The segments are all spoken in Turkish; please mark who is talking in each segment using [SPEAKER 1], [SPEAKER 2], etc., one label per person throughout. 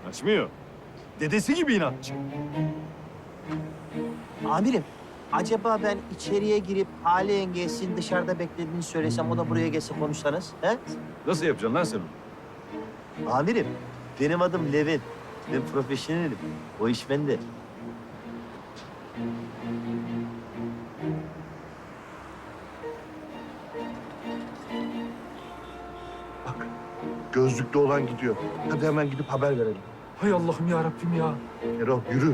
[SPEAKER 1] Kaçmıyor. Dedesi gibi inatçı.
[SPEAKER 2] Amirim, acaba ben içeriye girip Hale yengesinin dışarıda beklediğini söylesem, o da buraya gelse konuşsanız, he?
[SPEAKER 1] Nasıl yapacaksın lan sen onu?
[SPEAKER 2] Amirim, benim adım Levent. Ben profesyonelim. O iş bende.
[SPEAKER 3] Bak, gözlüklü olan gidiyor. Hadi hemen gidip haber verelim.
[SPEAKER 4] Hay Allah'ım ya Rabbim ya.
[SPEAKER 3] Erol, yürü.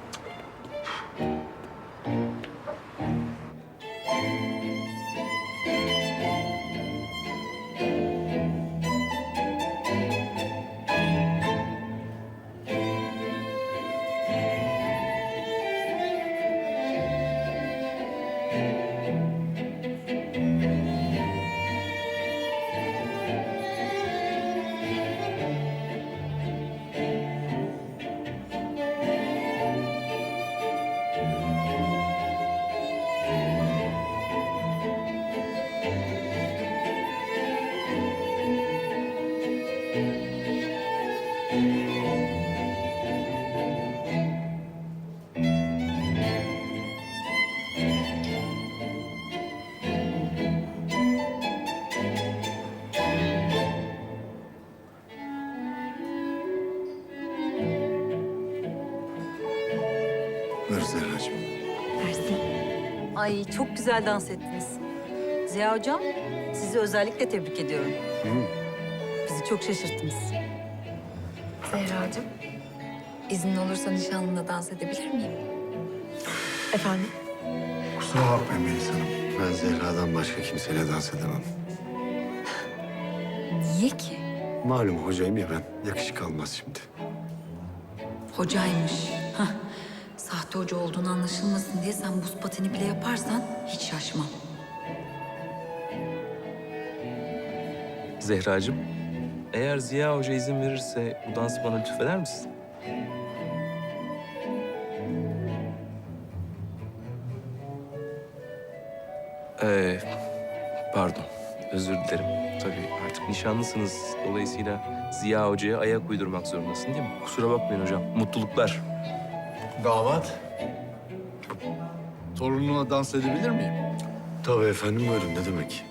[SPEAKER 5] Ver Zerracığım.
[SPEAKER 6] Ay çok güzel dans ettiniz. Ziya Hocam, sizi özellikle tebrik ediyorum. Bizi çok şaşırttınız.
[SPEAKER 7] Zehracığım, izin olursa nişanlımla dans edebilir miyim? Efendim?
[SPEAKER 5] Kusura bakmayın Melis Hanım. Ben Zehra'dan başka kimseyle dans edemem.
[SPEAKER 7] Niye ki?
[SPEAKER 5] Malum hocayım ya ben. Yakışık almaz şimdi.
[SPEAKER 7] Hocaymış. Hah. Sahte hoca olduğunu anlaşılmasın diye sen buz pateni bile yaparsan hiç şaşmam.
[SPEAKER 4] Zehracığım, eğer Ziya Hoca izin verirse bu dansı bana lütfeder misin? Pardon, özür dilerim. Tabii artık nişanlısınız. Dolayısıyla Ziya Hoca'ya ayak uydurmak zorundasın değil mi? Kusura bakmayın hocam. Mutluluklar.
[SPEAKER 8] Damat. Torununa dans edebilir miyim?
[SPEAKER 5] Tabii efendim, buyurun, ne demek?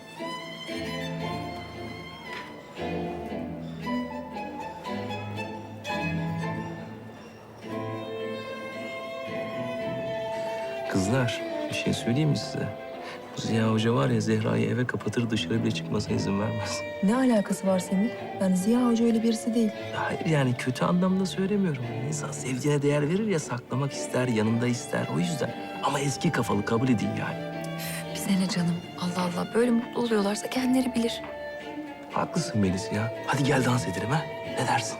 [SPEAKER 4] Kızlar, bir şey söyleyeyim mi size? Bu Ziya Hoca var ya, Zehra'yı eve kapatır, dışarı bile çıkmasına izin vermez.
[SPEAKER 9] Ne alakası var Semih? Yani Ziya Hoca öyle birisi değil.
[SPEAKER 4] Hayır yani kötü anlamda söylemiyorum. İnsan sevdiğine değer verir ya, saklamak ister, yanında ister. O yüzden. Ama eski kafalı, kabul edin yani.
[SPEAKER 7] Bize ne canım? Allah Allah, böyle mutlu oluyorlarsa kendileri bilir.
[SPEAKER 4] Haklısın Melis ya. Hadi gel dans edelim ha. Ne dersin?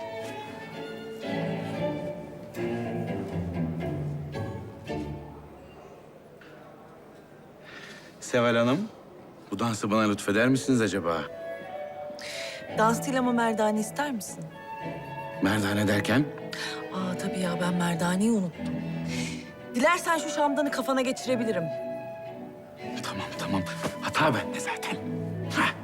[SPEAKER 10] Seval Hanım, bu dansı bana lütfeder misiniz acaba?
[SPEAKER 9] Dans değil ama merdane ister misin?
[SPEAKER 10] Merdane derken?
[SPEAKER 9] Aa tabii ya, ben merdaneyi unuttum. Dilersen şu şamdanı kafana geçirebilirim.
[SPEAKER 10] Tamam, tamam. Hata bende zaten. Hah.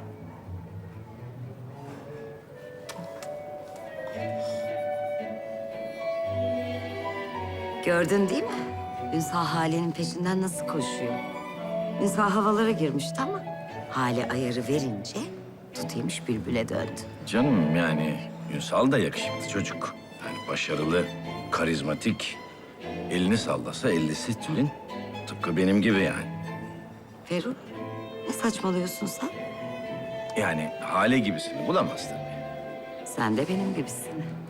[SPEAKER 6] Gördün değil mi? Ünsal Hale'nin peşinden nasıl koşuyor? Ünsal havalara girmişti ama Hale ayarı verince tutuymuş bülbüle döndü.
[SPEAKER 10] Canım yani Ünsal da yakışıklı çocuk. Yani başarılı, karizmatik. Elini sallasa ellisi tülin. Tıpkı benim gibi yani.
[SPEAKER 6] Ferruh, ne saçmalıyorsun sen?
[SPEAKER 10] Yani Hale gibisini bulamaz tabii.
[SPEAKER 6] Sen de benim gibisin.